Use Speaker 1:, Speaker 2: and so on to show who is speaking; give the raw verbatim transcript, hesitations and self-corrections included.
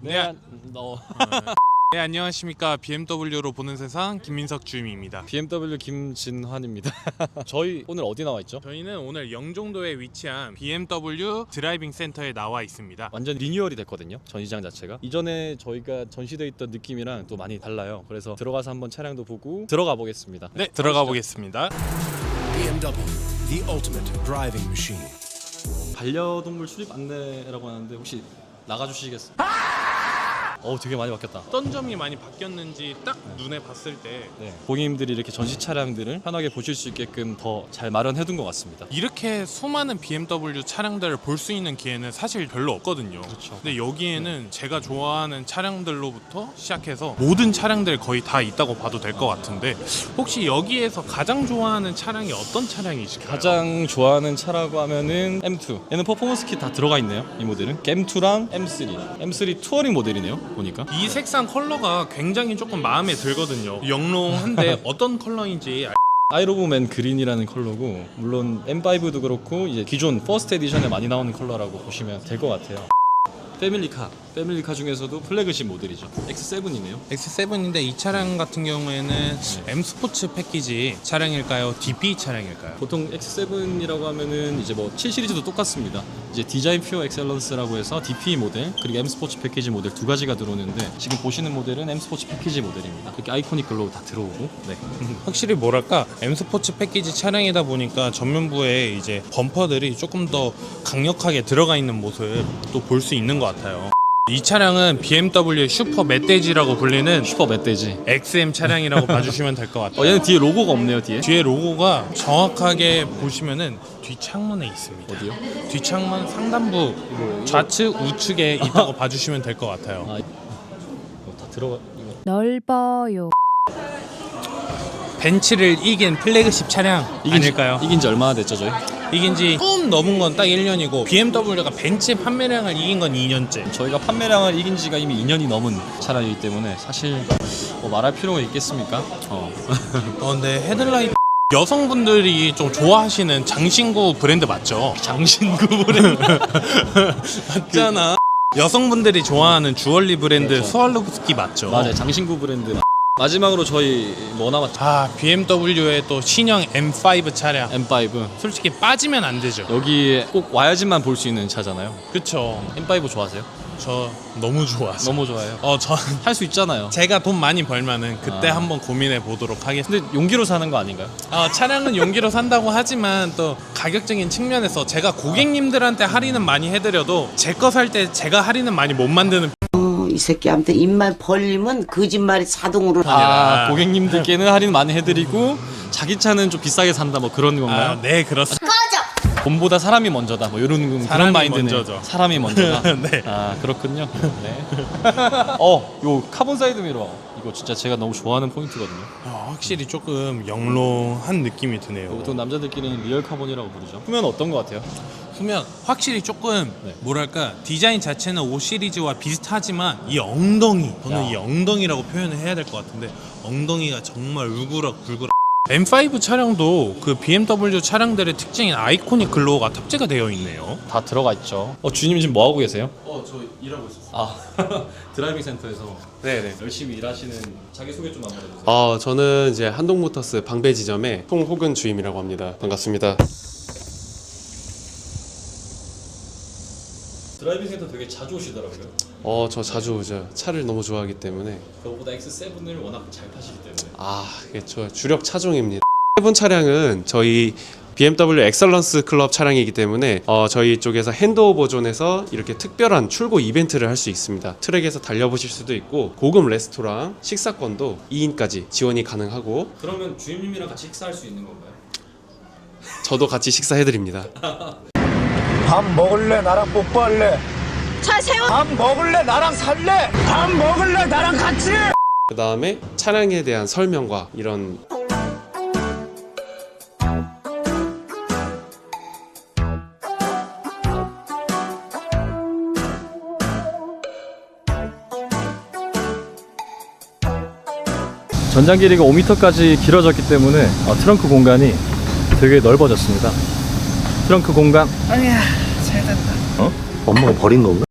Speaker 1: 네, 안- 너
Speaker 2: 네, 안녕하십니까. 비엠더블유로 보는 세상 김민석 주임입니다.
Speaker 1: 비엠더블유 김진환입니다. 저희 오늘 어디 나와 있죠?
Speaker 2: 저희는 오늘 영종도에 위치한 비엠더블유 드라이빙 센터에 나와 있습니다.
Speaker 1: 완전 리뉴얼이 됐거든요. 전시장 자체가 이전에 저희가 전시돼 있던 느낌이랑 또 많이 달라요. 그래서 들어가서 한번 차량도 보고 들어가 보겠습니다.
Speaker 2: 네, 들어가 보겠습니다.
Speaker 3: 비엠더블유, the ultimate driving machine.
Speaker 1: 반려동물 출입 안내라고 하는데 혹시 나가주시겠어요? 어, 되게 많이 바뀌었다.
Speaker 2: 어떤 점이 많이 바뀌었는지 딱 눈에 봤을 때
Speaker 1: 네, 고객님들이 이렇게 전시 차량들을 편하게 보실 수 있게끔 더 잘 마련해둔 것 같습니다.
Speaker 2: 이렇게 수많은 비엠더블유 차량들을 볼 수 있는 기회는 사실 별로 없거든요.
Speaker 1: 그렇죠.
Speaker 2: 근데 여기에는 제가 좋아하는 차량들로부터 시작해서 모든 차량들 거의 다 있다고 봐도 될 것 같은데 혹시 여기에서 가장 좋아하는 차량이 어떤 차량이실까요?
Speaker 1: 가장 좋아하는 차라고 하면은 엠투. 얘는 퍼포먼스 킷 다 들어가 있네요. 이 모델은 엠투랑 엠쓰리. 엠쓰리 투어링 모델이네요. 보니까.
Speaker 2: 이 색상 컬러가 굉장히 조금 마음에 들거든요. 영롱한데 어떤 컬러인지 알...
Speaker 1: 아이로브맨 그린이라는 컬러고, 물론 엠파이브도 그렇고 이제 기존 퍼스트 에디션에 많이 나오는 컬러라고 보시면 될 것 같아요. 패밀리카. 패밀리카 중에서도 플래그십 모델이죠. 엑스 세븐이네요.
Speaker 2: 엑스 세븐인데 이 차량 같은 경우에는 M 스포츠 패키지 차량일까요? 디피 차량일까요?
Speaker 1: 보통 엑스 세븐이라고 하면은 이제 뭐 칠 시리즈도 똑같습니다. 이제 디자인 퓨어 엑셀런스라고 해서 디피 모델 그리고 M 스포츠 패키지 모델 두 가지가 들어오는데, 지금 보시는 모델은 M 스포츠 패키지 모델입니다. 이렇게 아이코닉 글로우 다 들어오고. 네.
Speaker 2: 확실히 뭐랄까 M 스포츠 패키지 차량이다 보니까 전면부에 이제 범퍼들이 조금 더 강력하게 들어가 있는 모습 또 볼 수 있는 것 같아요. 이 차량은 비엠더블유 슈퍼 멧돼지라고 불리는
Speaker 1: 슈퍼 멧돼지.
Speaker 2: 엑스엠 차량이라고 봐주시면 될 것 같아요.
Speaker 1: 어, 얘는 뒤에 로고가 없네요. 뒤에.
Speaker 2: 뒤에 로고가 정확하게 보시면은 뒷창문에 있습니다.
Speaker 1: 어디요?
Speaker 2: 뒷창문 상단부 좌측 우측에 있다고 봐주시면 될 것 같아요.
Speaker 1: 아, 이거 다 들어가. 이거.
Speaker 4: 넓어요.
Speaker 2: 벤츠를 이긴 플래그십 차량
Speaker 1: 이긴 지-
Speaker 2: 아닐까요?
Speaker 1: 이긴 지 얼마나 됐죠, 저희?
Speaker 2: 이긴 지 조금 넘은 건 딱 일 년이고 비엠더블유가 벤츠 판매량을 이긴 건 이 년째.
Speaker 1: 저희가 판매량을 이긴 지가 이미 이 년이 넘은 차량이기 때문에 사실 뭐 말할 필요가 있겠습니까? 어.
Speaker 2: 어, 근데 헤드라이트 여성분들이 좀 좋아하시는 장신구 브랜드 맞죠?
Speaker 1: 장신구 브랜드.
Speaker 2: 맞잖아. 여성분들이 좋아하는 주얼리 브랜드
Speaker 1: 그렇죠.
Speaker 2: 스왈로브스키 맞죠?
Speaker 1: 맞아요. 장신구 브랜드. 마지막으로 저희 뭐 남았죠?
Speaker 2: 아, 비엠더블유의 또 신형 엠 파이브 차량.
Speaker 1: 엠파이브.
Speaker 2: 솔직히 빠지면 안 되죠.
Speaker 1: 여기에 꼭 와야지만 볼 수 있는 차잖아요.
Speaker 2: 그쵸.
Speaker 1: 엠파이브 좋아하세요?
Speaker 2: 저 너무 좋아서.
Speaker 1: 너무 좋아해요.
Speaker 2: 어, 저
Speaker 1: 할 수 있잖아요.
Speaker 2: 제가 돈 많이 벌면은 그때
Speaker 1: 아.
Speaker 2: 한번 고민해 보도록 하겠습니다.
Speaker 1: 근데 용기로 사는 거 아닌가요?
Speaker 2: 어, 차량은 용기로 산다고 하지만 또 가격적인 측면에서 제가 고객님들한테 할인은 많이 해드려도 제 거 살 때 제가 할인은 많이 못 만드는
Speaker 5: 이 새끼한테 입만 벌리면 거짓말이 자동으로 나.
Speaker 1: 아, 고객님들께는 할인 많이 해드리고 자기 차는 좀 비싸게 산다 뭐 그런 건가요?
Speaker 2: 아, 네, 그렇습니다.
Speaker 1: 돈보다 사람이 먼저다 뭐 이런 그런
Speaker 2: 사람이
Speaker 1: 마인드는
Speaker 2: 먼저죠.
Speaker 1: 사람이 먼저다.
Speaker 2: 네.
Speaker 1: 아, 그렇군요. 네. 어, 요 카본 사이드 미러 이거 진짜 제가 너무 좋아하는 포인트거든요.
Speaker 2: 어, 확실히 조금 영롱한 느낌이 드네요.
Speaker 1: 보통 남자들끼리는 리얼 카본이라고 부르죠. 후면 어떤 것 같아요?
Speaker 2: 보면 확실히 조금
Speaker 1: 네.
Speaker 2: 뭐랄까 디자인 자체는 오 시리즈와 비슷하지만 이 엉덩이 저는
Speaker 1: 야.
Speaker 2: 이 엉덩이라고 표현을 해야 될 것 같은데 엉덩이가 정말 울그락 불그락. 엠 파이브 차량도 그 비엠더블유 차량들의 특징인 아이코닉 글로우가 탑재가 되어 있네요.
Speaker 1: 다 들어가 있죠. 어, 주님 지금 뭐 하고 계세요?
Speaker 2: 어, 저 일하고 있었어요.
Speaker 1: 아, 드라이빙 센터에서
Speaker 6: 네네.
Speaker 1: 열심히 일하시는 자기 소개 좀 한번 해주세요.
Speaker 6: 어, 저는 이제 한동모터스 방배 지점의 송호근 주임이라고 합니다. 반갑습니다.
Speaker 1: 드라이빙 센터 되게 자주 오시더라고요.
Speaker 6: 어, 저 자주 오죠. 차를 너무 좋아하기 때문에.
Speaker 1: 그거보다 엑스 세븐을 워낙 잘 타시기 때문에.
Speaker 6: 아, 이게 저 주력 차종입니다. 세븐 차량은 저희 비엠더블유 엑설런스 클럽 차량이기 때문에 어, 저희 쪽에서 핸드오버 존에서 이렇게 특별한 출고 이벤트를 할 수 있습니다. 트랙에서 달려보실 수도 있고 고급 레스토랑 식사권도 이 인까지 지원이 가능하고
Speaker 1: 그러면 주임님이랑 같이 식사할 수 있는 건가요?
Speaker 6: 저도 같이 식사해드립니다.
Speaker 7: 밥 먹을래? 나랑 뽀뽀할래?
Speaker 4: 차 세워.
Speaker 7: 밥 먹을래? 나랑 살래? 밥 먹을래? 나랑 같이?
Speaker 6: 그 다음에 차량에 대한 설명과 이런
Speaker 1: 전장 길이가 오 미터까지 길어졌기 때문에 어, 트렁크 공간이 되게 넓어졌습니다. 트렁크 공간.
Speaker 7: 엄마가 버린 건가?